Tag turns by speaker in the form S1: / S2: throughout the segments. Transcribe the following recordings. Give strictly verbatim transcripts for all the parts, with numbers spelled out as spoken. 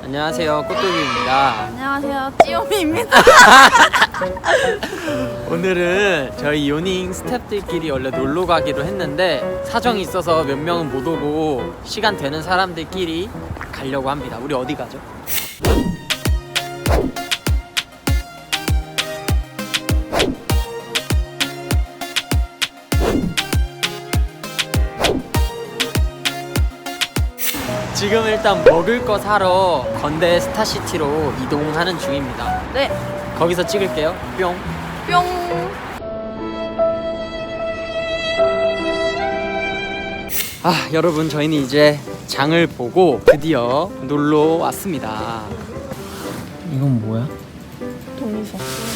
S1: 안녕하세요, 꽃돌이입니다.
S2: 안녕하세요, 찌오미입니다.
S1: 오늘은 저희 요닝 스태프들끼리 원래 놀러 가기로 했는데 사정이 있어서 몇 명은 못 오고 시간 되는 사람들끼리 가려고 합니다. 우리 어디 가죠? 지금 일단 먹을 거 사러 건대 스타시티로 이동하는 중입니다.
S2: 네,
S1: 거기서 찍을게요. 뿅.
S2: 뿅.
S1: 아, 여러분, 저희는 이제 장을 보고 드디어 놀러 왔습니다. 이건 뭐야?
S2: 동의서.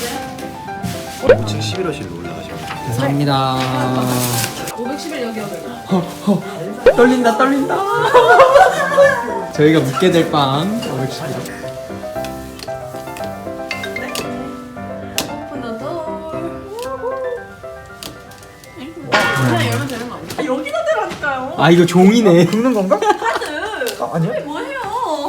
S3: 오층 십일호실로 올라가시면 됩니다.
S1: 감사합니다.
S2: 오백십일 여기요.
S1: 떨린다, 떨린다. 저희가 묵게 될 빵 오백십일.
S2: 오픈 더 door. 그냥 열면 되는 거 아니야? 아, 여기다 대라니까요.
S1: 아, 이거 종이네.
S3: 긁는 건가?
S2: 카드.
S3: 아, 아니야?
S2: 뭐예요?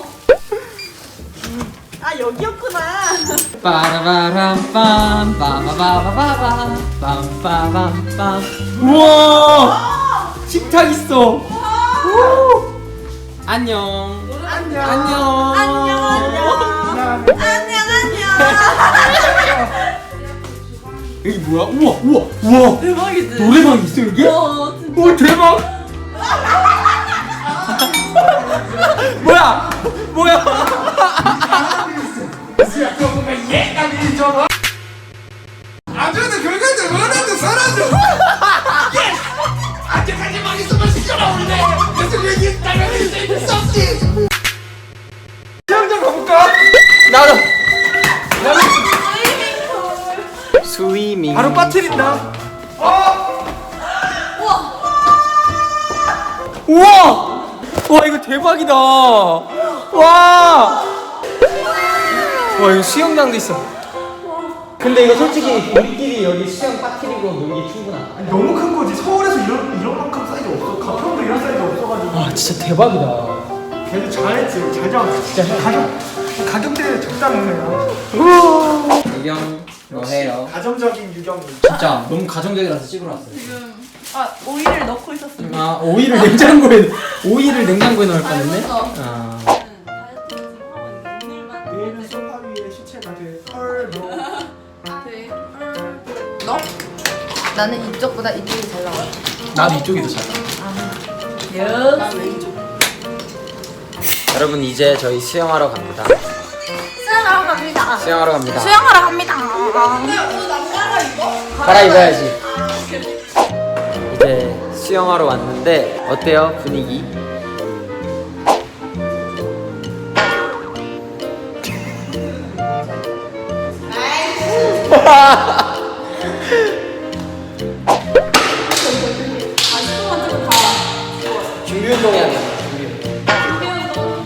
S2: 아, 여기였구나.
S1: 빠라바람 빰 빠바바바바밤 빰빠밤빰. 우와! 식탁 있어. 우! 안녕.
S2: 안녕.
S1: 안녕.
S2: 안녕, 안녕. 안녕, 안녕.
S1: 여기 뭐야? 우와, 우와, 우와.
S2: 대박이지?
S1: 노래방 있어 여기?
S2: 어, 진짜.
S1: 오, 대박. 뭐야? 뭐야?
S3: 아주는 결과를 원하는 사람들. 아직까지 망했으면 시켜나오는데 계속 얘기했다면 이제 수 없지. 수영장 가볼까?
S1: 나도. 스위밍.
S3: 바로 빠뜨린다. 어!
S1: 우와! 와, 이거 대박이다. 와! 와, 이거 수영장도 있어. 근데 이거 솔직히 우리끼리 여기 수영 빠뜨리고 놀기 충분하다.
S3: 아니, 너무 큰 거지. 서울에서 이런 이런 만큼 사이즈 없어. 가평도 이런 사이즈 없어가지고.
S1: 아, 진짜 대박이다.
S3: 걔도 잘했지. 잘 잡았어.
S1: 진짜
S3: 가격 가격대 적당해요.
S1: 유경, 너 해요.
S3: 가정적인 유경이.
S1: 진짜 너무 가정적이라서 찍으러 왔어요.
S2: 지금 아, 오이를 넣고 있었습니다.
S1: 아, 오이를 냉장고에 오이를 냉장고에 넣을 뻔했네. 아.
S3: 내일은 소파 위에 시체가 돼. 헐 너.
S2: 너? 나는 이쪽보다 이쪽이 잘 나와.
S1: 나도 이쪽이 더 잘.
S2: 여. 나는 이쪽.
S1: 여러분, 이제 저희 수영하러 갑니다.
S2: 수영하러 갑니다.
S1: 수영하러 갑니다.
S2: 수영하러 갑니다.
S1: 갈아입어야지. 이제 수영하러 왔는데 어때요, 분위기? 준비 운동 해야 돼. 준비 운동.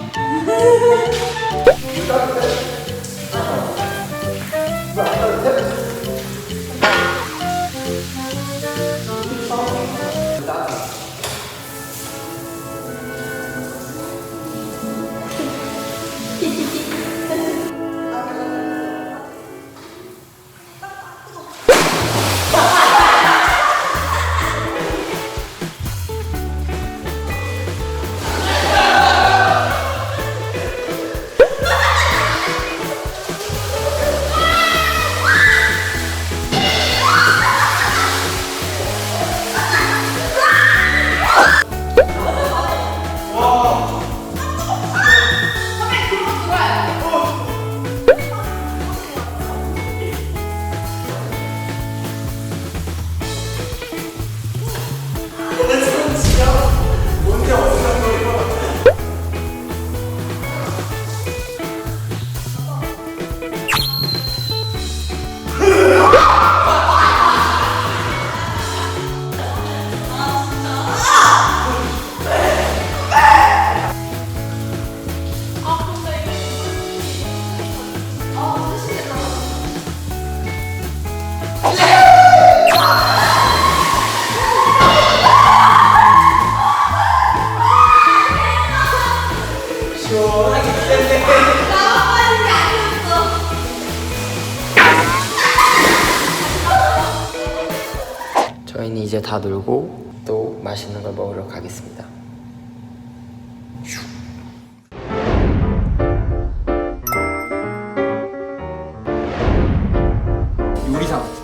S1: 저희는 이제 다 놀고 또 맛있는 걸 먹으러 가겠습니다. 요리사 같아.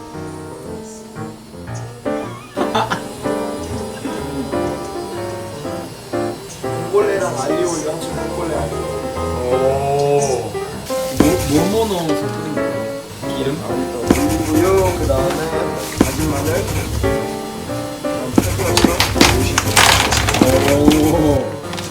S3: 콩골레랑 알리올리오 합친 콩골레 알리올리오.
S1: 오. 뭐뭐 넣어서 끓인 거예요? 기름?
S3: 올리고요. 그 다음에 다진 마늘. 그다음 페퍼런치랑 모시.
S1: 오.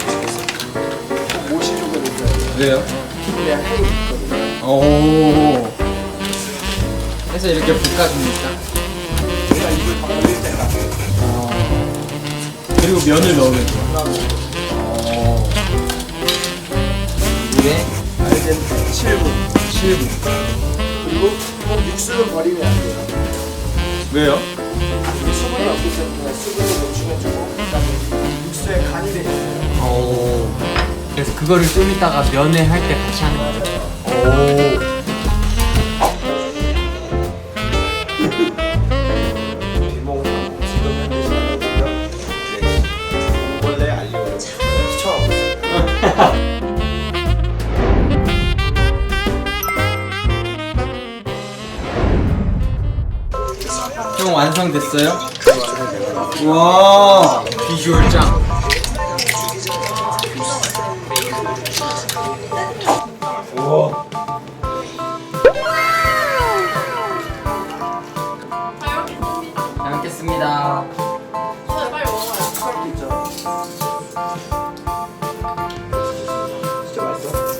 S3: 꼭 모시 쪽을 넣어야 돼요.
S1: 왜요?
S3: 그래야 향이 있거든요.
S1: 오. 해서 이렇게 볶아줍니까?
S3: 제가 입을 다 올릴 때가
S1: 어. 그리고 면을 넣으면 돼요. 어. 물에
S3: 알덴테 칠 분.
S1: 칠 분.
S3: 그리고 꼭 육수는 버리면 안 돼요.
S1: 왜요?
S3: 수분이 없기 때문에 수분도 보충해주고 그다음에 육수에 간이 돼 있어요.
S1: 오. 그래서 그거를 좀 이따가 면회 할 때 같이 하는 거죠? 오.
S3: 비몽사몽 지금 현재 시간이고요. 네. 콩골레 알리올리오 시청하고 있습니다.
S1: 형 완성됐어요? 와 비주얼 짱. 와. 잘 먹겠습니다.
S2: 네, 빨리 먹어요.
S3: 진짜 진짜 맛있어.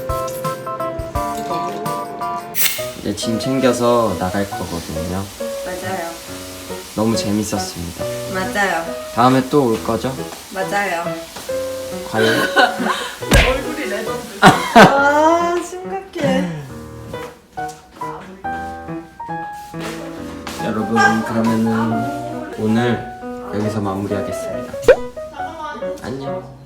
S1: 이제 짐 챙겨서 나갈 거거든요.
S4: 맞아요.
S1: 너무 재밌었습니다.
S4: 맞아요.
S1: 다음에 또 올 거죠?
S4: 맞아요.
S1: 과연?
S2: 내 얼굴이 레전드.
S4: 아, 심각해.
S1: 여러분 그러면은 오늘 여기서 마무리하겠습니다. 안녕.